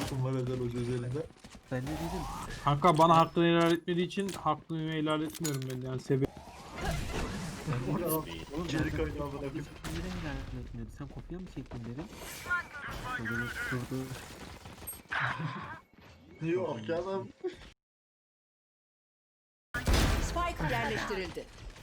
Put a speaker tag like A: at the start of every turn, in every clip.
A: hakkım var özel hoca üzerinde.
B: Ben ne dedim?
C: Kanka bana hakkını helal etmediği için hakkını helal etmiyorum ben yani sebep.
A: Oğlum geri kaynağı bana bir.
B: Neden helal etmiyordu? Sen kopya mı çektin dedim. Böyle tutturdu.
A: Yok canım.
D: Spike yerleştirildi.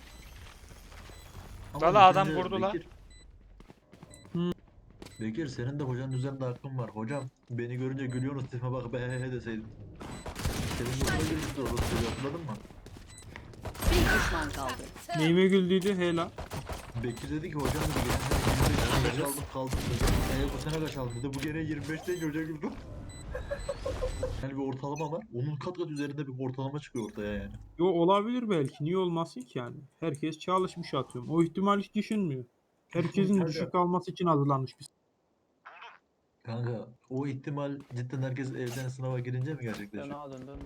A: Ama
E: Valla adam
A: Bekir,
E: vurdu la.
A: Bekir.
C: Hı.
A: Bekir senin de hocanın üzerinde hakkın var. Hocam beni görünce gülüyorsunuz tipime bak be he he deseydin. Senin hoşuna gülmüştü orası hatırladın mı?
D: Bir düşman kaldı.
C: Neyime güldüydü helal.
A: Bekir dedi ki hocam dedi geçen sene 25 aldım kaldım dedi. Bu sene kaç aldın dedi. Bu gene 25 değil hoca güldü. Yani bir ortalama var. Onun kat kat üzerinde bir ortalama çıkıyor ortaya yani.
C: Yo olabilir belki. Niye olmasın ki yani? Herkes çalışmış atıyorum. O ihtimal hiç düşünmüyor. Herkesin
A: Kanka.
C: düşük alması için hazırlanmış bir.
A: Kanka o ihtimal cidden herkes evden sınava girince mi
F: Dön
A: gerçekleşiyor?
F: ağa dön.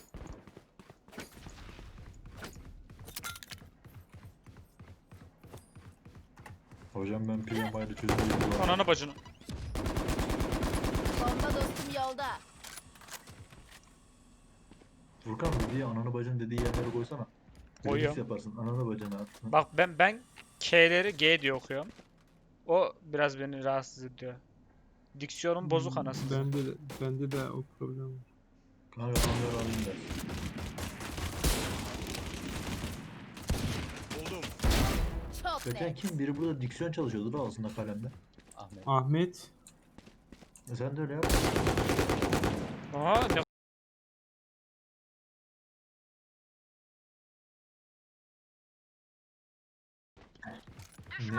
A: Hocam ben PMI'de çözümü
E: Ananı bacını.
D: Bomba dostum yolda.
A: Furkan dediği ananı bacın dediği yerlere koysana.
E: Koyuyorum.
A: Remix yaparsın ananı bacını at.
E: Bak ben K'leri G diye okuyorum. O biraz beni rahatsız ediyor. Diksiyonum bozuk anasını.
C: Bende de o problem var.
A: Kanka anları alayım der.
D: Çok
A: Geçen
D: net.
A: kim? Biri burada diksiyon çalışıyordu da aslında kalemde.
F: Ahmet.
C: Ahmet.
A: Sen de öyle yap.
E: Aa ne
A: Ne?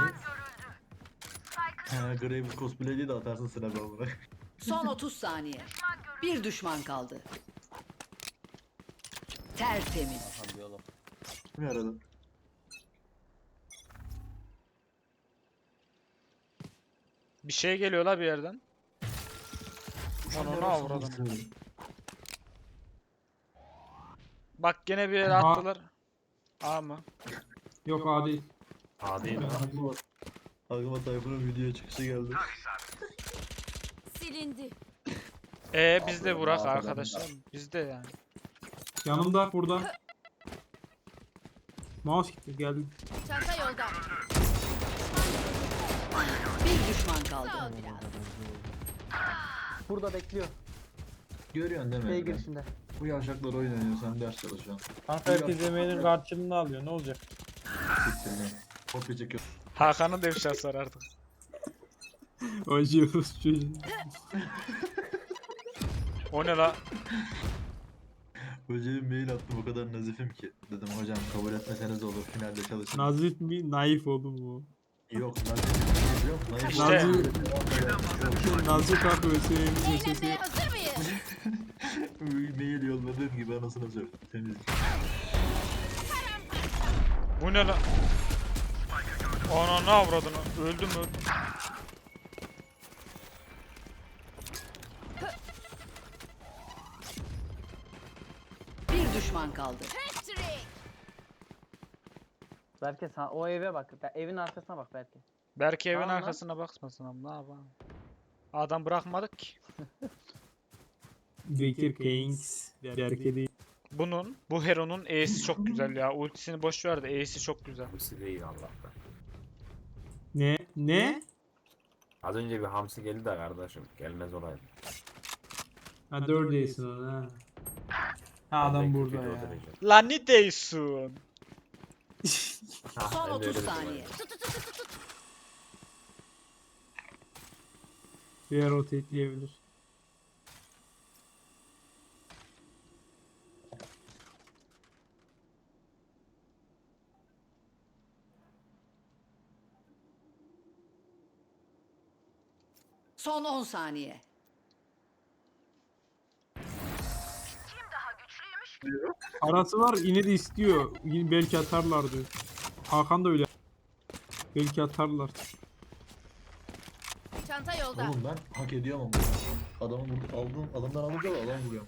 A: Ha, Graves cosplay'li de atarsın sıra babına.
D: Son 30 saniye. Bir düşman kaldı. Tertemiz.
F: Hadi oğlum.
A: Kim aradı?
E: bir şey geliyor la bir yerden. Ananı avradım. Bak gene bir yere
C: Aha.
E: attılar. A mı?
C: Yok adi.
G: Adi mi?
A: Aklıma Tayfun'un video çıkışı geldi.
D: Silindi.
E: Bizde Burak arkadaşlar. Bizde yani.
C: Yanımda burada. Mouse gitti geldi.
D: Çanta yolda. Bir düşman kaldı.
F: Burada bekliyor.
A: Görüyorsun değil mi?
F: Şey
A: Emre?
F: girişinde.
A: Bu yavşaklar oyun oynuyor sen ders çalışıyorsun.
C: Kanka herkes emeğinin karşılığını alıyor ne olacak?
A: Siktir lan. Kopya çekiyor.
E: Hakan'ın devşası var artık.
C: Acıyoruz çocuğu.
E: O ne la?
A: Hocaya mail attım o kadar nazifim ki. Dedim hocam kabul etmeseniz olur finalde çalışın.
C: Nazif mi? Naif oğlum bu.
A: Yok nazif yok. Naif
E: İşte-
C: Nazif kanka ÖSYM'nin
D: Eğlenmeye hazır mıyız?
A: mail yolladığım gibi anasını sor. Temiz.
E: Bu ne la? Ananı avradını. Öldüm öldüm.
D: Bir düşman kaldı.
F: Berke sen o eve bak. Evin arkasına bak Berke.
E: Belki evin
F: Tamam lan.
E: arkasına bakmasın ama ne yapalım. Adam bırakmadık ki.
C: Bekir Kings. Berke değil.
E: Bu Hero'nun E'si çok güzel ya. Ultisini boş ver de E'si çok güzel.
G: Hamsi değil Allah'tan.
C: Ne? Ne?
G: Az önce bir hamsi geldi de kardeşim. Gelmez olaydı.
C: Ha 4 değilsin onu ha. Ha adam
G: Ben
C: burada
G: kötüydü o
C: ya.
G: derece.
E: Lan ne diyorsun?
G: Ha,
D: Son
G: ben de
D: 30
G: öyle dedim
D: saniye.
C: Bir rotate.
D: Son 10 saniye.
C: Arası var yine de istiyor. Yine belki atarlar diyor. Hakan da öyle. Belki atarlar.
D: Çanta yolda.
A: Oğlum ben hak ediyorum ama. Adamı aldım, adamdan alınca da adam vuruyorum.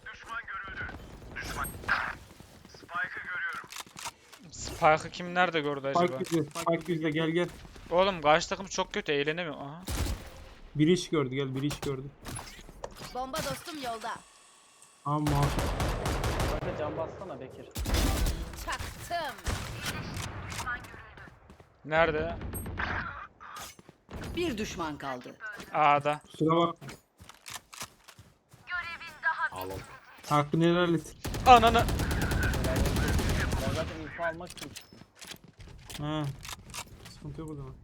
E: Spike'ı kim nerede gördü acaba?
C: Spike bizde. Spike bizde gel gel.
E: Oğlum karşı takım çok kötü eğlenemiyor. Aha.
C: Bir iş gördü gel bir iş gördü.
H: Bomba dostum yolda.
C: Ama
F: Bakın can bassana Bekir.
H: Çaktım.
E: Nerede?
D: Bir düşman kaldı.
E: A'da.
C: kusura bak.
G: Alın.
C: Hakkını helal et.
E: Ananı.
F: Ben zaten info almak için çıktım.
C: He. Sıkıntı yok o zaman.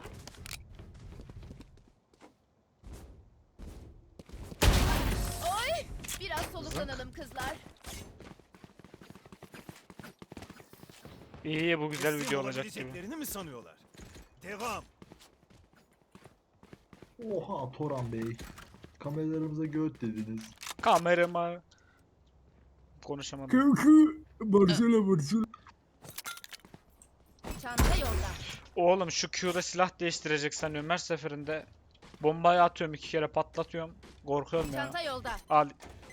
H: Oy! Biraz soluklanalım kızlar.
E: İyi bu güzel
I: Teslim
E: video olacak gibi.
I: olabileceklerini mi sanıyorlar? Devam.
A: Oha Toran Bey. Kameralarımıza göt dediniz.
E: Kamerama. Konuşamadım.
C: Kökü. Barcelona.
H: Çanta yolda.
E: Oğlum şu Q'da silah değiştirecek sanıyorum. Her seferinde bombayı atıyorum 2 kere patlatıyorum. Korkuyorum ya.
H: Çanta yolda.
E: Al.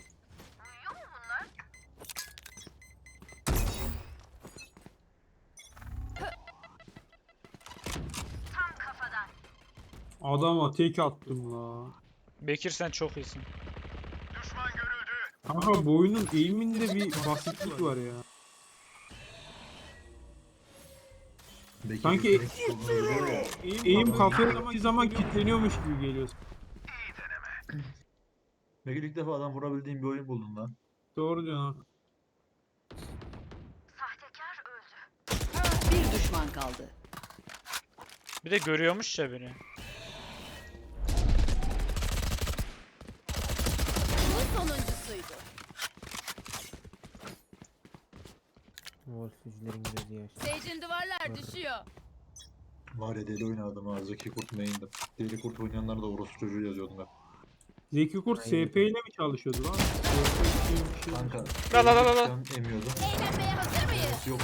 C: Adama tek attım la.
E: Bekir sen çok iyisin.
C: Kanka bu oyunun eğiminde bir basitlik var ya.
A: Bekir
C: Sanki
A: direkt
C: eğim kafaya zaman kilitleniyormuş gibi geliyor.
A: Bekir ilk defa adam vurabildiğim bir oyun buldun lan.
C: Doğru diyorsun.
D: Bir düşman kaldı.
E: Bir de görüyormuş ya beni.
H: Bu sonuncusuydu.
B: Wolfsücülerin gözü yaş.
H: Sage'in duvarlar düşüyor.
A: Var ya deli oynadım ha. Zeki Kurt main'dim. Deli Kurt oynayanlar da orospu çocuğu yazıyordum ben.
C: Zeki Kurt SP ile mi çalışıyordu lan?
A: Kanka.
E: La la la la la.
A: ben emiyordum.
H: Eğlenmeye hazır mıyız?
A: Yoktu.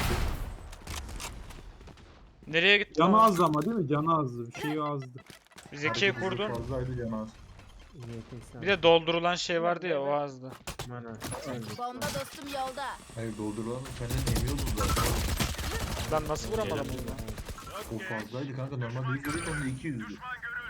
E: Nereye gitti?
C: Canı
E: o?
C: azdı ama değil mi? Canı azdı. Bir şey azdı.
E: Zeki'yi
A: Hareketi
E: kurdun.
A: Fazlaydı canaz.
B: YTS
E: Bir de doldurulan şey vardı ya o azdı.
B: mana.
H: Bomba dostum yolda.
A: Hayır doldurulan kendini emiyordun zaten.
E: Lan nasıl vuramadım
G: Gelemedim.
E: bunu?
A: O fazlaydı kanka. Normalde 100 lira onda 200'dü.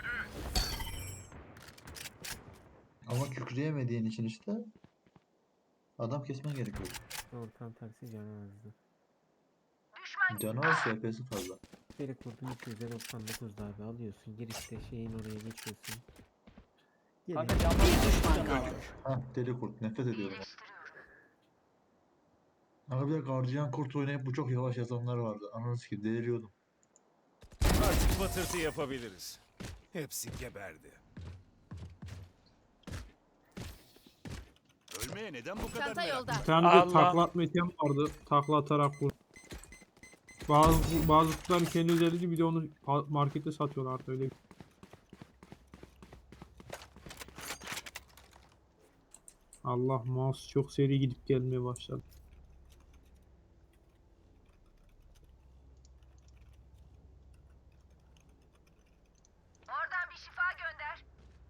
A: Ama kükreyemediğin için işte adam kesmen gerekiyor.
B: Doğru tam tersi canı azdı.
A: Canaz SP'si fazla.
B: Biri kurdun 299'da abi alıyorsun. Girişte şeyin oraya geçiyorsun.
F: Kanka
B: Geliyor.
F: can
D: Bir
F: bassana.
D: düşman kaldı.
A: Ha deli kurt nefret ediyorum. Ama bir de gardiyan kurt oynayıp bu çok yavaş yazanlar vardı. Ananı sikeyim deliriyordum.
I: Artık batırtı yapabiliriz. Hepsi geberdi. Ölmeye neden bu kadar
H: Çanta
I: merak?
H: yolda.
C: Bir tane de
E: Allah.
C: takla atma item vardı. Takla atarak vur. Bazı kutuların kendi özelliği bir de onu markette satıyorlar artık öyle. Allah mouse çok seri gidip gelmeye başladı.
H: Oradan bir şifa gönder.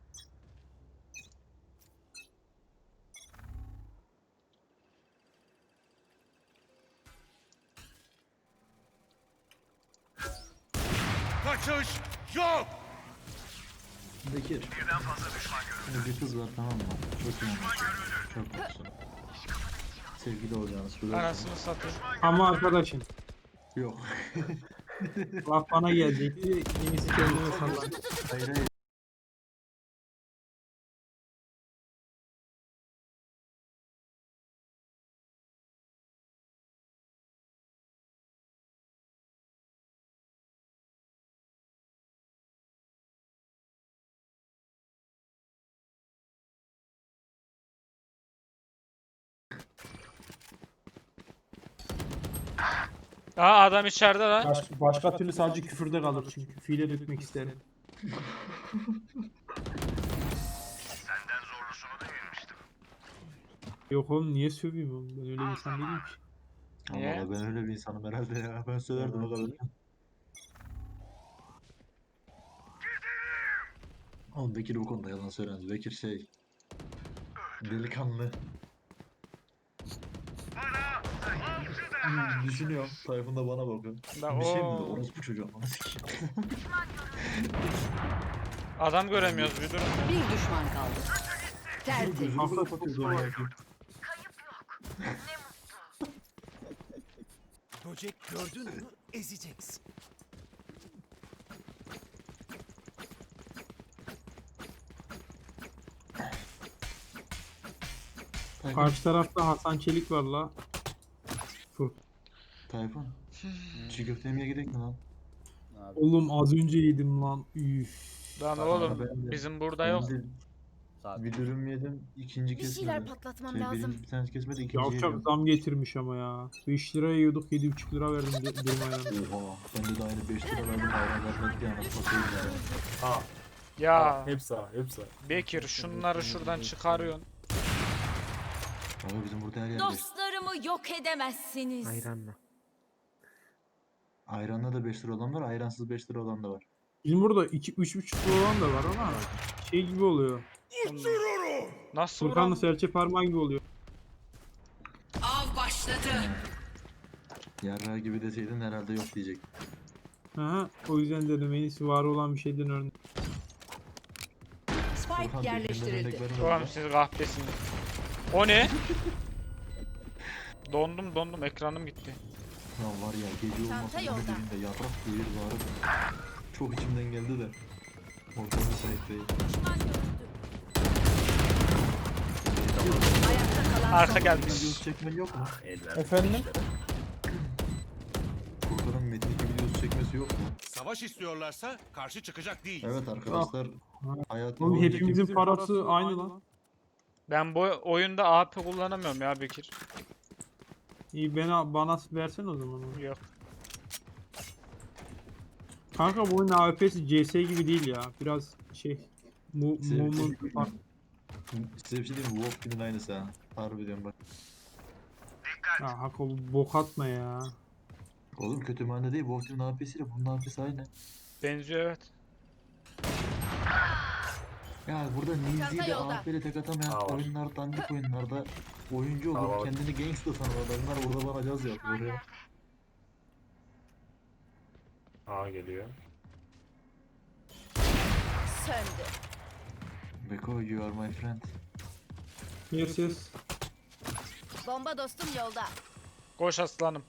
I: Kaçış yok.
A: Bekir. Şimdi bir kız var tamam mı? Çok iyi. Çok mutlusun. Sevgili olacağınız söylüyorum.
E: Anasını satayım.
C: Ama arkadaşım
A: Yok.
C: laf bana gelecekti. Yenisi kendime sallandı.
A: Hayır hayır.
E: Aa adam içeride lan.
C: Başka türlü sadece küfürde kalır çünkü. Fiile dökmek isterim. Yok oğlum niye söveyim oğlum? Ben öyle bir insan değilim ki.
E: Niye?
A: Allah ben öyle bir insanım herhalde ya. Ben söylerdim o kadar. Oğlum Bekir bu konuda yalan söylemez. Bekir şey... Delikanlı. Düşünüyorum. Tayfun da bana bakıyor.
E: Da
A: Bir şey mi dedi?
E: o
A: Orospu çocuğu. Bana sikeyim.
E: adam göremiyoruz bir durun.
D: Bir düşman kaldı. Tertemiz.
A: Gözünü
C: Kafa
A: kapatıyordu o ya.
I: Böcek gördün mü ezeceksin.
C: Karşı tarafta Hasan Çelik var la.
A: Tayfun. Çiğ köfte yemeye gidelim mi lan?
C: Oğlum az önce yedim lan. Üf.
E: Lan
A: Tamam,
E: oğlum
A: ben de-
E: bizim burada
A: Ben
E: yok.
A: de bir dürüm yedim. İkinci
H: Bir şeyler
A: kesmedi.
H: patlatmam
A: Şey,
H: lazım.
A: birinci bir tanesi kesmedi. İkinciyi
C: Yavşak
A: yedim.
C: zam getirmiş ama ya. 5 lira yiyorduk 7,5 lira verdim dürüm ayran.
A: Oha. Bende de aynı 5 lira verdim. Ayran vermedik yani. Satayım yani.
G: Ha,
E: Ya
G: hepsi ha, hepsi.
E: Bekir şunları şuradan çıkarıyorsun.
A: Ama bizim burada her yer 5.
H: Dostlarımı yok edemezsiniz.
B: Ayranla.
A: Ayranla da 5 lira olan var. Ayransız 5 lira olan da var.
C: Bizim burada 2-3,5 lira olan da var ama şey gibi oluyor.
E: Nasıl
C: Furkan'la
E: vuran?
C: serçe parmağı gibi oluyor.
D: Av başladı.
A: Yarrağı gibi deseydin herhalde yok diyecek.
C: Aha, o yüzden dedim en iyisi var olan bir şeyden örnek.
D: Spike
A: Orhan,
D: yerleştirildi.
A: birbirinden örnek
E: Oğlum
A: verme.
E: siz kahpesiniz. O ne? Dondum ekranım gitti.
A: Ya var ya gece
H: Çanta
A: olmasa
H: yolda.
A: bunu dilinde yarrak diye bağırırım. Çok içimden geldi de. Ortam müsait değil.
H: Düşman görüldü.
D: Ayakta kalan
E: Arka
D: son
E: gelmiş.
A: Videosu çekmen yok mu?
G: Eller.
C: Efendim?
A: Furkan'ın Metin 2 videosu çekmesi yok mu?
I: Savaş istiyorlarsa karşı çıkacak değil.
A: Evet arkadaşlar. Hayatım
C: Oğlum
A: boyunca
C: hepimizin
A: kimse-
C: parası aynı lan.
E: Ben bu oyunda AP kullanamıyorum ya Bekir.
C: İyi bana versen o zaman. onu.
E: Yok.
C: Kanka bu oyunun AWP'si CS gibi değil ya. Biraz şey mumun fark.
A: Size bir şey diyeyim mi? Wolfkin'in aynısı ha. Harbi diyorum bak.
C: Ya Hako bok atma ya.
A: Oğlum kötü manda değil. Wolfkin'in AP'siyle bunun AP'si aynı.
E: Benziyor evet.
A: Ya burada
H: Çanta
A: Ninzi'yle
H: yolda.
A: AP'yle tek atamayan
G: Aa, var.
A: oyunlar, dandik oyunlarda oyuncu
G: Aa,
A: olur,
G: var.
A: kendini gangsta sanar adamlar burada bana caz yapıyor ya.
G: Ha geliyor.
H: Söndü.
A: Beko, you are my friend.
C: Yes.
H: Bomba dostum yolda.
E: Koş aslanım.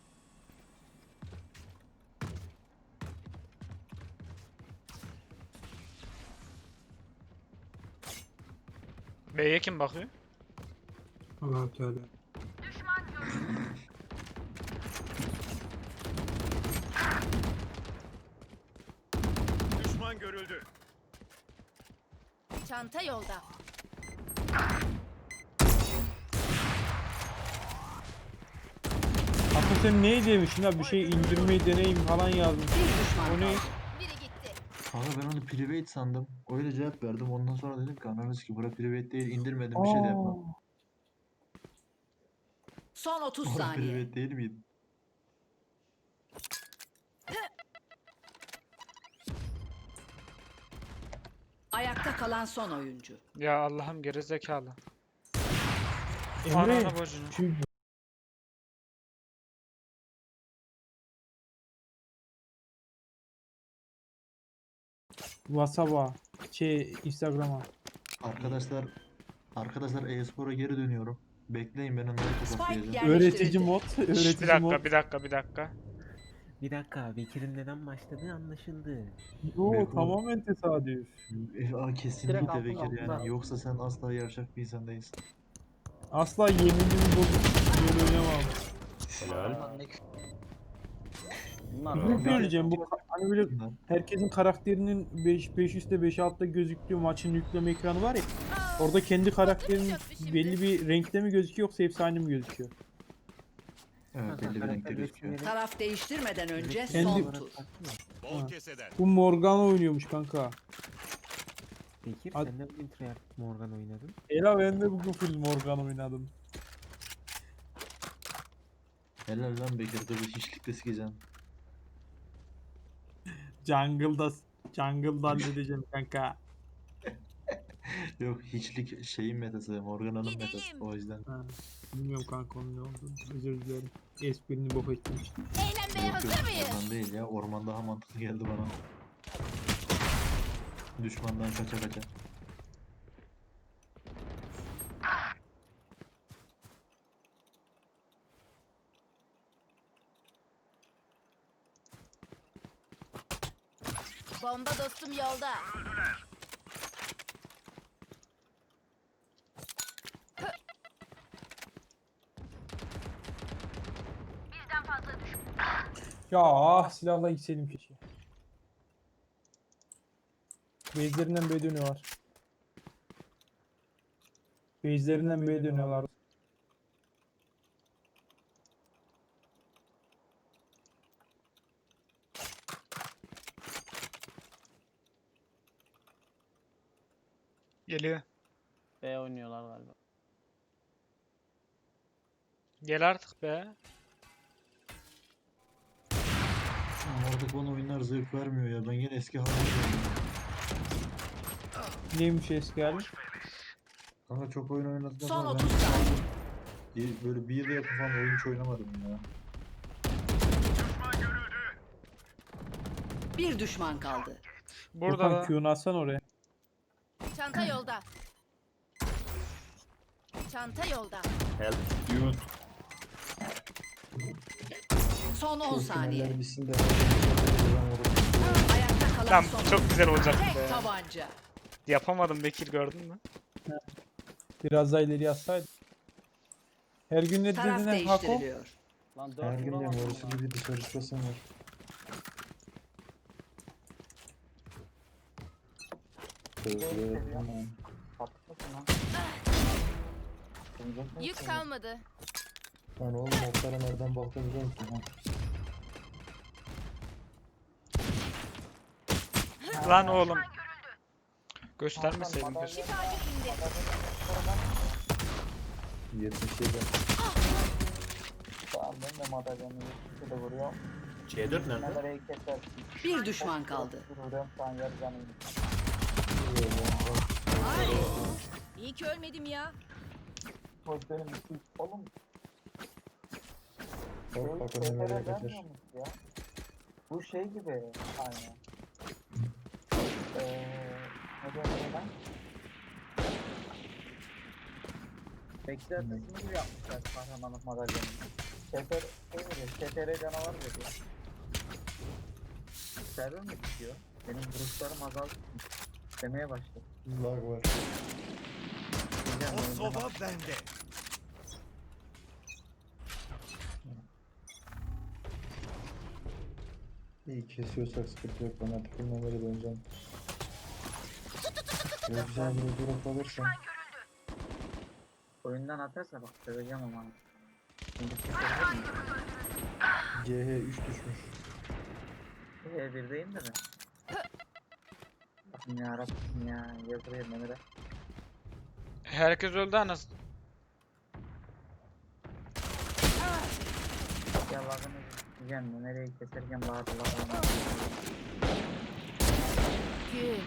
E: B'ye kim bakıyor?
C: Allah Teala.
I: Düşman görüldü.
H: Çanta yolda.
C: Hako sen ne demişsin ha bir şey indirmeyi deneyim falan yazdın.
D: bir düşman
C: O ne?
D: kaldı.
H: Biri gitti.
A: Kanka ben onu private sandım. Öyle cevap verdim. Ondan sonra dedim ki ananız ki bura private değil, indirmedim bir şey de yapmam.
D: Son 30
A: Bura
D: saniye.
A: private değil miydi?
D: Ayakta kalan son oyuncu.
E: Ya Allah'ım gerizekalı.
C: Emre
E: Ananı bacını.
C: şu WhatsApp'a Instagram'a.
A: Arkadaşlar e-spora geri dönüyorum. Bekleyin ben onları
D: Spike
A: tokatlayacağım.
D: yerleştirildi.
C: Öğretici mod.
E: Bir
C: Öğretici mod.
E: dakika.
B: Bir dakika Bekir'in neden başladığı anlaşıldı.
C: Yo
A: Beko.
C: tamamen tesadüf.
A: Kesinlikle
F: Direkt
A: Bekir
F: altına,
A: yani.
F: altına.
A: Yoksa sen asla yavşak bir insan değilsin.
C: Asla yeminimi bozup böyle oynamam.
G: Helal.
F: Bunlar
C: Ne söyleyeceğim bu hani böyle
A: Bunlar.
C: herkesin karakterinin 5 üstte 5 altta gözüktüğü maçın yükleme ekranı var ya. Orada kendi karakterinin belli bir renkte mi gözüküyor yoksa hepsi aynı mı gözüküyor?
A: Evet belli bir renkte gözüküyor.
D: Taraf değiştirmeden önce
C: Kendi-
D: son tur.
I: Bol
C: Ha.
I: keseden.
C: Bu Morgana oynuyormuş kanka.
B: Bekir
C: Ad-
B: sen de bugün Treyarch Morgan oynadın.
C: Ela ben de bugün full Morgana oynadım.
A: Helal lan Bekir dur bir hiçlikte sikeceğim.
C: Jungle'da halledeceğim kanka.
A: Yok hiçlik şeyin metası, Morgana'nın metası
H: Gidelim.
A: o yüzden.
C: Ha, bilmiyorum kanka onun ne olduğunu. Özür dilerim. Esprini bok ettim işte.
H: Eğlenmeye
A: Yok, yok,
H: hazır mıyız?
A: orman değil ya, orman daha mantıklı geldi bana. Düşmandan kaça kaça.
H: Bomba dostum yolda.
C: Ya ah silahla gitseydim keşke. Base'lerinden B dönüyorlar. Base'lerinden B dönüyorlar.
E: Geliyor.
F: B oynuyorlar galiba.
E: Gel artık be.
A: Artık bana oyunlar zevk vermiyor ya. Ben yine eski haline döndüm.
C: Neymiş eski hali?
A: Kanka çok oyun oynadıktan
D: Son
A: sonra
D: 30 saniye.
A: böyle bir yıl yakın falan oyun hiç oynamadım ya.
D: Bir düşman kaldı.
E: Burada
C: Furkan
E: da.
C: Q'nu atsan oraya.
H: Çanta yolda. Çanta yolda.
G: Help.
D: Son 10 saniye.
A: Bitsin de
D: Ayakta kalan
E: Lan
D: son.
E: çok güzel olacaktı be.
D: Tek tabanca.
E: Yapamadım Bekir, gördün mü?
C: Biraz daha ileri atsaydı. Her gün ne
D: Taraf
C: dediğine Hako?
D: değiştiriliyor.
F: Lan 4
A: her gün de
F: vuramadım
A: orası
F: ya.
A: gibi dışarı çıkasın var.
F: Patlasın lan.
H: Yük kalmadı.
A: Lan oğlum oklara nereden baktın biliyor musun? Ha?
E: Lan oğlum. Göstermeseydim keşke.
H: Şifacı indi.
A: 77.
F: Tamam ben de madalyonu de vuruyorum.
G: C4 nerede?
F: Nereyi keser?
D: Bir düşman kaldı.
F: Vuruyorum şu an yarı canım.
H: Ay. İyi ki ölmedim ya.
F: Hoş benim oğlum.
A: Bak bakalım
F: Sefere
A: nereye
F: vermiyor
A: kaçar.
F: musun ya? Bu şey gibi aynı. Ne diyorum ben? Bekler kısmı gibi yapmışlar kahramanlık madalyonu. Sefer şey veriyor, STR canavar veriyor. Server mi bitiyor? Benim vuruşlarım azaldı. Demeye başladı.
A: Lag var.
F: Diyeceğim,
I: O
F: oynayacağım.
I: soba bende.
A: İyi kesiyorsak sıkıntı yok. Ben artık bilmemeli döneceğim. Böyle güzel bir durum kalırsa.
F: Oyundan atarsa bak söyleyeceğim ama. Şimdi kesebilir miyim?
A: GH 3 düşmüş.
F: Birdeyim de ben. Bakın ya Rabbim ya. Yazıya Mehmet'e.
E: Herkes öldü anasını.
F: Ya lagını diyeceğim. Nereye keserken lagını.
H: Gün.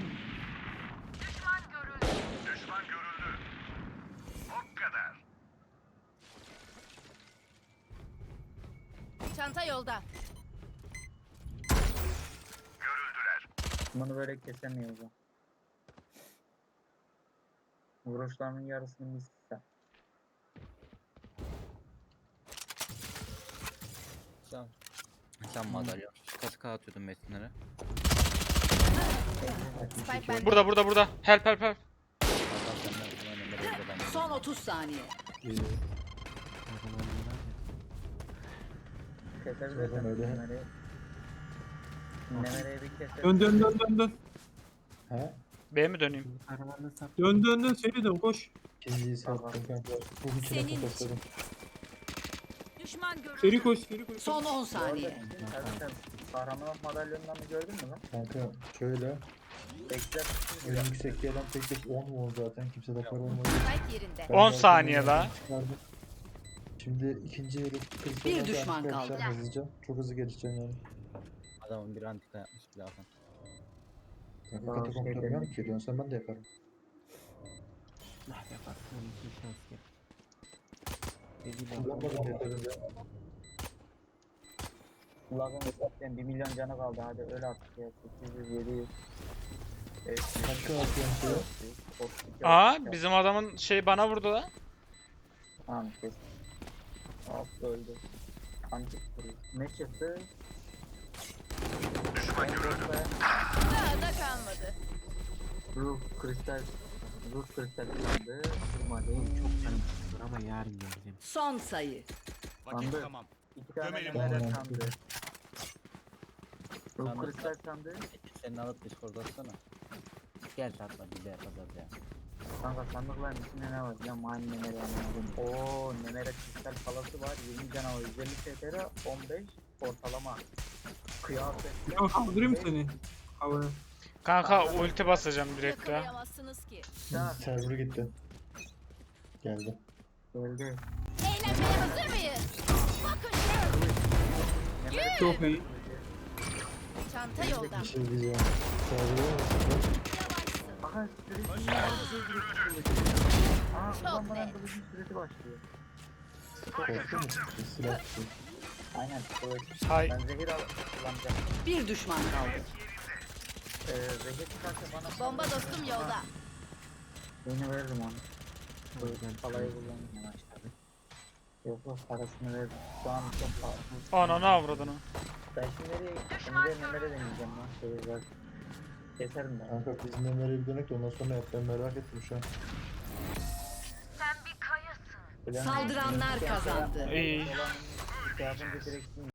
I: Düşman görüldü. O kadar.
H: Çanta yolda.
F: Bunu böyle kesemiyoruz. Ha. Vuruşlarının yarısını bizse.
J: Sen madalya. Kaskı atıyordun metinlere.
H: Spike bende.
E: Burada. Help.
J: Hakan senden hemen Emre'ye buradan.
D: Son 30 saniye.
F: Kesebilirsin.
A: Zaten öyle.
F: Nemereye bir keser.
C: Dön.
A: He?
E: B'ye mi döneyim?
B: Aralarına sap.
C: Dön seri dön koş.
A: İkinciyi sattım kanka. Bu içine
H: Senin
A: kapatalım.
H: Düşman görüldü.
C: Seri koş.
D: Son 10 saniye.
F: Kahramanlık madalyonlarını gördün mü lan?
A: Kanka şöyle.
F: Bekler.
A: En yüksek gelen tek 10 won zaten. Kimse de para olmadı.
H: Spike yerinde.
A: Ben
E: 10
A: zaten
E: saniye
A: onlardan
E: la.
A: çıkardım. Şimdi ikinci yeri kırıp
D: Bir düşman kaldı.
A: Hızlıca. Çok hızlı gelişeceğim yani.
J: Adamın bir antika yapmış bile Hakan.
A: Kanka
F: Daha
A: katakomp
F: şey
A: yapmıyorum
F: dedim.
A: ki. Dönsem ben de yaparım.
B: Nah yaparsın. Onun için şans gel.
A: Kullanmadım yeterince.
F: Lagın zaten 1 milyon canı kaldı. Hadi öyle artık ya. 800, 700.
A: Kaçka atıyorum şeye?
E: Aa, bizim adamın şey bana vurdu la.
F: Tamam kes. Hop öldü. Kancık vuruyor. Ne çıktı?
H: Daha da kalmadı.
F: Ruh kristal. Ruh kristal sandı. Kırma değil.
B: Çok canım sıkılır ama yarın geleceğim.
D: Son sayı.
F: Sandı.
I: Tamam.
F: 2 tane
I: Gömelim
F: nemere
A: onu.
F: sandı. Ruh
J: Sandı.
F: kristal sandı.
J: Senin alıp Discord'a atsana. Gel tatla bir de yapacağız ya.
F: Kanka sandıkların içinde ne var? Ya mani nemere anladım. Ooo nemere kristal palası var. 20 canavar 150 STR 15 ortalama. Kıyafet.
C: Ya kaldırayım seni. Havaya.
E: Kanka ulti basacağım direkt ya.
H: Yakalayamazsınız ki.
F: Ya
A: Server gitti. Geldi.
F: geldi.
H: Eğlenmeye hazır mıyız? Bakın şu.
F: Nemere
C: Çok iyi.
H: Çanta yolda.
A: şey diyeceğim. Server'ı
H: Yavaşsın.
F: Aha süresi. Aa
H: Çok
F: kullanmadan
H: net.
F: kılıcın süresi başlıyor.
A: korktu mu? Silah tutuyor.
F: Aynen kılıç.
E: Hay.
F: Ben zehir kullanacağım.
D: Bir düşman kaldı.
F: Zehir çıkarsa bana
H: Bomba dostum yolda.
F: Beni veririm onu. Bu
B: Hocam,
F: palayı kullanmaya başladı. Yok yok parasını ver. Şu an çok pahalı.
E: Ananı avradını.
F: Ben şimdi nereye nemere deneyeceğim lan. Zehir var. Keserim ben.
A: Kanka biz nereye gidelim de ondan sonra yap. Ben merak ettim şu an.
F: Plan-
D: Saldıranlar kazandı.
E: İyi.
F: Olan şey yapınca direkt